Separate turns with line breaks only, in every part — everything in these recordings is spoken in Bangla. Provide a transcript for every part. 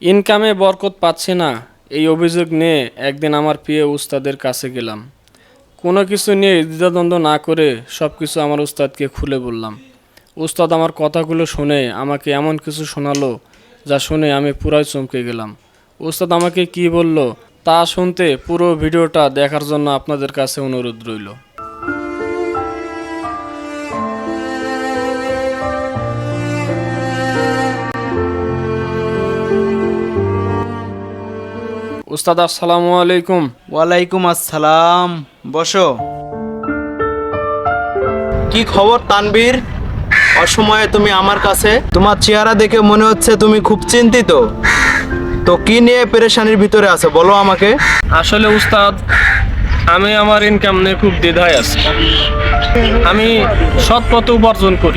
ইনকামে বরকত পাচ্ছি না, এই অভিযোগ নিয়ে একদিন আমার প্রিয় উস্তাদের কাছে গেলাম। কোনো কিছু নিয়ে দ্বিধাদ্বন্দ্ব না করে সব কিছু আমার উস্তাদকে খুলে বললাম। উস্তাদ আমার কথাগুলো শুনে আমাকে এমন কিছু শোনালো যা শুনে আমি পুরাই চমকে গেলাম। উস্তাদ আমাকে কি বলল তা শুনতে পুরো ভিডিওটা দেখার জন্য আপনাদের কাছে অনুরোধ রইল। উস্তাদ আসসালামু আলাইকুম।
ওয়ালাইকুম আসসালাম। বসো। কি খবর তানবীর? অসময়ে তুমি আমার কাছে? তোমার চেহারা দেখে মনে হচ্ছে তুমি খুব চিন্তিত। তো কি নিয়ে পেরেশানির ভিতরে আছো বলো আমাকে।
আসলে উস্তাদ, আমি আমার ইনকাম নিয়ে খুব দ্বিধায় আছি। আমি সৎ পথে উপার্জন করি,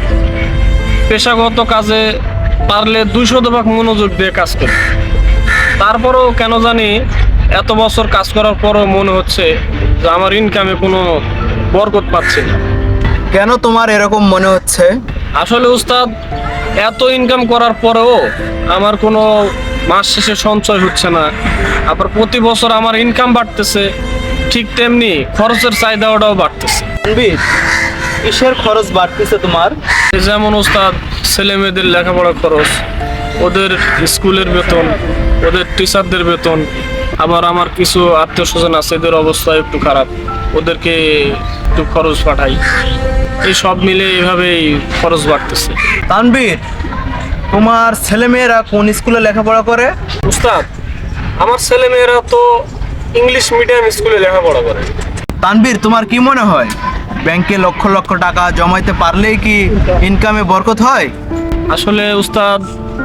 পেশাগত কাজে পারলে 200% মনোযোগ দিয়ে কাজ করি। তারপরেও কেন জানি এত বছর কাজ করার পরও মনে হচ্ছে যে আমার ইনকামে কোনো বরকত পাচ্ছি না।
কেন তোমার এরকম মনে হচ্ছে?
আসলে উস্তাদ, এত ইনকাম করার পরেও আমার কোনো মাস শেষে সঞ্চয় হচ্ছে না। আবার প্রতি বছর আমার ইনকাম বাড়তেছে, ঠিক তেমনি খরচের চাহিদাটাও বাড়তেছে।
তানবীর, কিসের খরচ বাড়তেছে তোমার?
যেমন উস্তাদ, ছেলে মেয়েদের লেখাপড়া খরচ, ওদের স্কুলের বেতন, ওদের টিচারদের বেতন, আবার আমার কিছু আত্মীয় স্বজন আছে, এদের অবস্থা একটু খারাপ, ওদেরকে একটু খরচ পাঠাই। এই সব মিলে এভাবেই খরচ বাড়তেছে।
তানবীর, তোমার ছেলেমেয়েরা কোন স্কুলে লেখাপড়া করে?
উস্তাদ, আমার ছেলে মেয়েরা তো ইংলিশ মিডিয়াম স্কুলে লেখাপড়া করে।
তানবীর, তোমার কি মনে হয় ব্যাংকে লক্ষ লক্ষ টাকা জমাইতে পারলেই কি ইনকামে বরকত হয়?
আসলে উস্তাদ,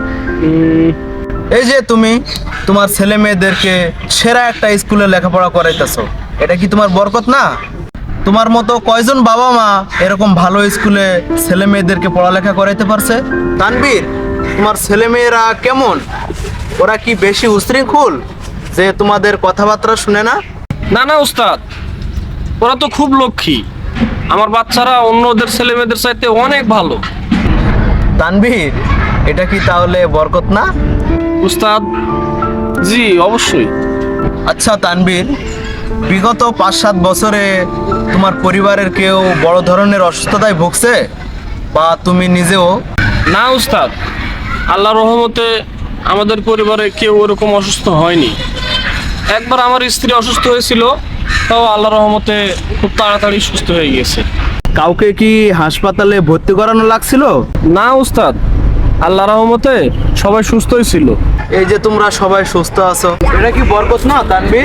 এই যে তুমি তোমার ছেলে মেয়েদেরকে সেরা একটা স্কুলে লেখাপড়া করাইতেছো, এটা কি তোমার বরকত না? তোমার মতো কয়জন বাবা মা এরকম ভালো স্কুলে ছেলে মেয়েদেরকে পড়ালেখা করাইতে পারছে? তানবীর, তোমার ছেলে মেয়েরা কেমন? ওরা কি বেশি উশৃঙ্খল যে তোমাদের কথাবার্তা শুনে না?
না না উস্তাদ, ওরা তো খুব লক্ষ্মী। আমার বাচ্চারা অন্যদের ছেলে মেয়েদের চাইতে অনেক ভালো।
তানবীর, এটা কি তাহলে বরকত না?
উস্তাদ, জি অবশ্যই।
আচ্ছা তানবীর, বিগত 5-7 বছরে তোমার পরিবারের কেউ বড় ধরনের অসুস্থতায় ভুগছে, বা তুমি নিজেও?
না উস্তাদ, আল্লাহর রহমতে আমাদের পরিবারে কেউ ওরকম অসুস্থ হয়নি। একবার আমার স্ত্রী অসুস্থ হয়েছিল, তাও আল্লাহর রহমতে খুব তাড়াতাড়ি সুস্থ হয়ে গিয়েছে।
কাউকে কি হাসপাতালে ভর্তি করানো লাগছিল?
না উস্তাদ, আল্লাহর রহমতে সবাই সুস্থই ছিল।
এই যে তোমরা সবাই সুস্থ আছো, এটা কি বরকত না তানভীর?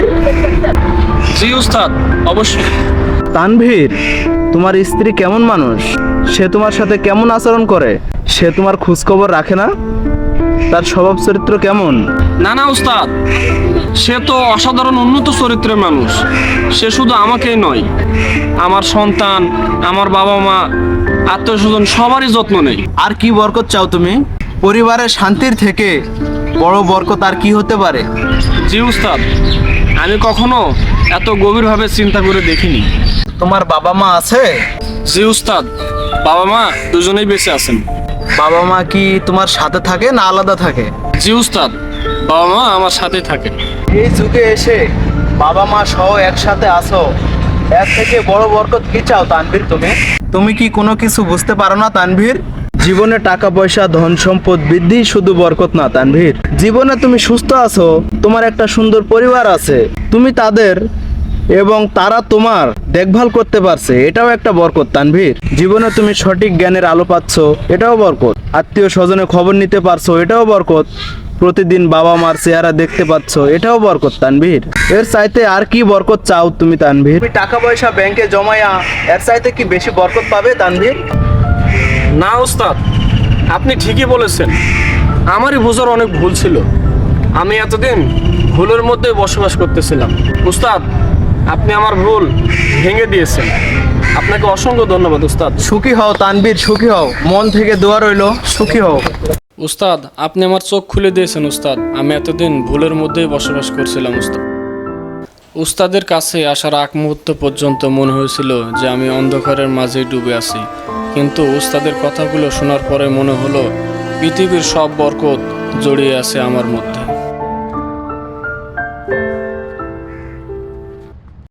জি উস্তাদ, অবশ্যই।
তানভীর, তোমার স্ত্রী কেমন মানুষ? সে তোমার সাথে কেমন আচরণ করে? সে তোমার খোঁজ খবর রাখে না? তার স্বভাব চরিত্র কেমন?
না না উস্তাদ, সে তো অসাধারণ উন্নত চরিত্রের মানুষ। সে শুধু আমাকেই নয়, আমার সন্তান, আমার বাবা মা, আত্মীয় স্বজন সবারই যত্ন নেই।
আর কি বরকত চাও তুমি? পরিবারের শান্তির থেকে বড় বরকত আর কি হতে পারে?
জি উস্তাদ, আমি কখনো এত গভীরভাবে চিন্তা করে দেখিনি।
তোমার বাবা মা আছে?
জি উস্তাদ, বাবা মা দুজনেই বেঁচে আছেন।
বাবা মা কি তোমার সাথে থাকে না আলাদা থাকে?
জি উস্তাদ, বাবা মা আমার সাথে থাকে।
এই যুগে এসে বাবা মা সহ একসাথে আছো, এর থেকে বড় বরকত কি চাও তানভীর তুমি? তুমি কি কোনো কিছু বুঝতে পারো না তানভীর? জীবনে টাকা পয়সা ধন সম্পদ বৃদ্ধি শুধু বরকত না তানভীর। জীবনে তুমি সুস্থ আছো, তোমার একটা সুন্দর পরিবার আছে, তুমি তাদের এবং তারা তোমার দেখভাল করতে পারছে, এটাও একটা বরকত তানভীর। জীবনে তুমি সঠিক জ্ঞানের আলো পাচ্ছ, এটাও বরকত। আত্মীয় স্বজনের খবর নিতে পারছো, এটাও বরকত। প্রতিদিন বাবা মার চেহারা দেখতে পাচ্ছ, এটাও বরকত তানভীর। এর চাইতে আর কি বরকত চাও তুমি তানভীর? তুমি টাকা পয়সা ব্যাংকে জমায়া এর চাইতে কি বেশি বরকত পাবে তানভীর?
না উস্তাদ, আপনি ঠিকই বলেছেন। আমারই বোঝার অনেক ভুল ছিল। আমি এতদিন ভুলের মধ্যে বসবাস করতেছিলাম। উস্তাদ, আপনি আমার ভুল ভেঙে দিয়েছেন। আপনাকে অসংখ্য ধন্যবাদ উস্তাদ।
সুখী হও তানভীর, সুখী হও। মন থেকে দোয়া রইলো, সুখী হও।
উস্তাদ, আপনি আমার চোখ খুলে দিয়েছেন উস্তাদ। আমি এতদিন ভুলের মধ্যেই বসবাস করছিলাম উস্তাদ। উস্তাদের কাছে আসার আগ মুহূর্ত পর্যন্ত মনে হয়েছিল যে আমি অন্ধকারের মাঝেই ডুবে আছি, কিন্তু উস্তাদের কথাগুলো শোনার পরে মনে হলো পৃথিবীর সব বরকত জড়িয়ে আছে আমার মধ্যে।